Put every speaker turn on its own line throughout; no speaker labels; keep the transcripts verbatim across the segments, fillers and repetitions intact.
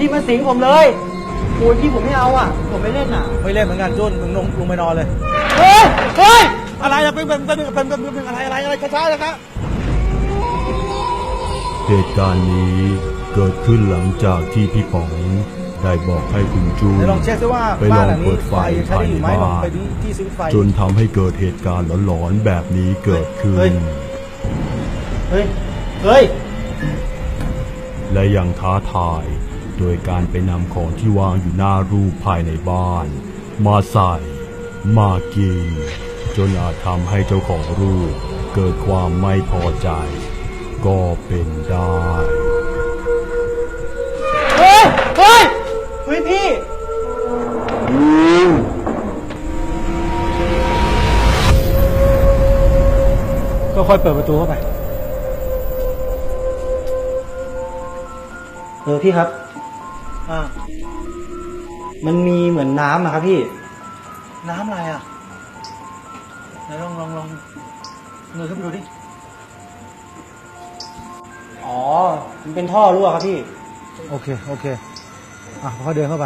พี่มาสิงผมเลยโอ้ยพี่ผมไม่เอาอ่ะผมไม่เล่นอ่ะ
ไม่เล่นเหมือนกันจุนมึงลงลงไปนอนเลย
เฮ้ยเฮ้ย
อะไรอะเป็นเป็นเป็นเป็นเป็นเป็นอะไรอะไรอะไรช้าๆเลยครับ
เหตุการณ์นี้เกิดขึ้นหลังจากที่พี่ป๋องได้บอกให้คุณจูน
เดี๋ยวลองเช็คซิว่า
ไปล
บ้า
อน ง
หลังนี้
เปิดไฟ
ใช้
ภาย
ได้อ
ใน
ยู่ไหมลอง
บ้าน
ไปดูที่สวิตช์ไฟ
จนทำให้เกิดเหตุการณ์หลอนๆแบบนี้เกิดขึ้
เฮ้ย
น
เฮ้ยเฮ้ย
และยังท้าทายโดยการไปนำของที่วางอยู่หน้ารูปภายในบ้าน มาใส่มากินจนอาจทำให้เจ้าของรูปเกิดความไม่พอใจ ก็เป็นได้
เฮ้ยเฮ้ยเฮ้ยพี่
ก็ค่อยเปิดประตูเข้าไป
เออพี่ครับอ่ามันมีเหมือนน้ำอะครับพี่
น้ำอะไรอ่ะไหนลองลองลองเงยขึ้นไปดูดิ
อ๋อมันเป็นท่อรั่วครับพี่
โอเคโอเคอ่ะค่อยเดินเข้าไป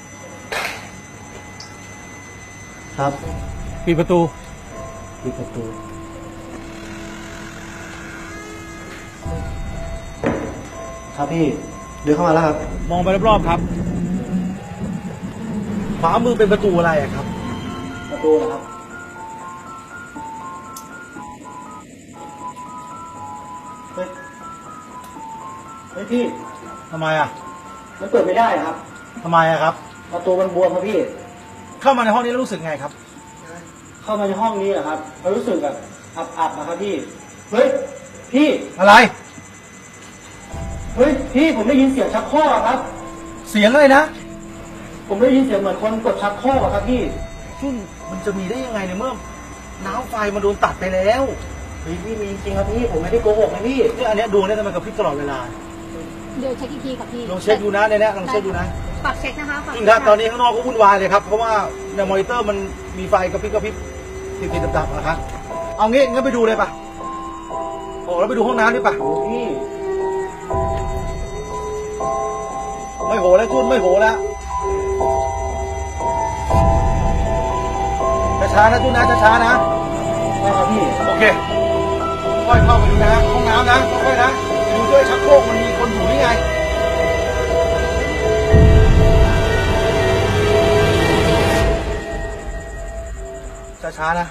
ครับ
ปิดประตู
ปิดประตูครับพี่เดินเข้ามาแล้วครับ
มองไปรอบๆครับขวามือเป็นประตูอะไรอะครับ
ประตูนะครับเฮ้ยเฮ้ยพี่
ทำไมอ่ะ
มันเปิดไม่ได้ครับ
ทำไมอะครับ
ประตูมันบวมครับพี่
เข้ามาในห้องนี้แล้วรู้สึกไงครับ
เข้ามาในห้องนี้เหรอครับเรารู้สึกแบบอับๆนะครับพี่เฮ้ยพี่
อะไร
เฮ้ยพี่ผมได้ยินเสียงชักโครกอะครับ
เสียงอะไรนะ
ผมได้ยินเสียงเหมือนคนกดชักโครกอะครับพี่
ซึ่งมันจะมีได้ยังไงในเมื่อน้ำไฟมันโดนตัดไปแล้ว
เฮ้ยพี่มีจริงครับพี่ผมไม่ได้โกหกนะพี่
เนี่ยอันเนี้ยดวงเนี่ยทำไมกระพริบตลอดเวลา
เดี๋ยวเช็คอีกทีค่ะพี่
ลองเช็คดูนะในเนี้ยลองเช็คดูนะ
ฝากเช็คนะคะฝาก
จริงครับตอนนี้ข้างนอกก็วุ่นวายเลยครับเพราะว่าในมอนิเตอร์มันมีไฟกระพริบกระพริบติดๆดับๆนะครับเอางี้งั้นไปดูเลยปะโอ้แล้วไปดูห้องน้ำดิปะ
โอ้พี่
ไม่โหแล้วจุนไม่โหแล้วช้าๆนะจุนนะช้าๆนะ
ได้ครับพี่
โอเคค่อยเข้าไปดูนะห้องน้ำนะค่อยๆนะดูด้วยชักโครกมันมีคนอยู่นี่ไงช้าๆนะ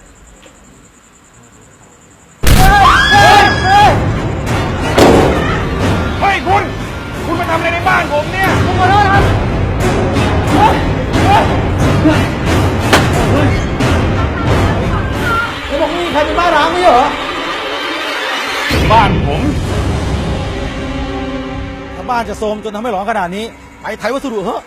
เฮ้ยคุณคุณมาทำอะไรในบ้านผมเนี่ยผมขอโทษครับเขาบอกนี่ใครเป็นบ้านร้างไม่เหรอบ้านผมถ้าบ้านจะโทรมจนทำให้หลอนขนาดนี้ไปไทยวัสดุเหอะ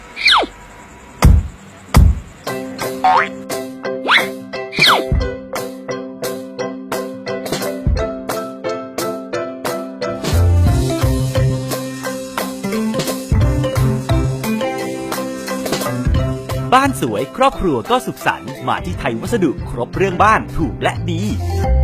บ้านสวยครอบครัวก็สุขสันต์มาที่ไทยวัสดุครบเรื่องบ้านถูกและดี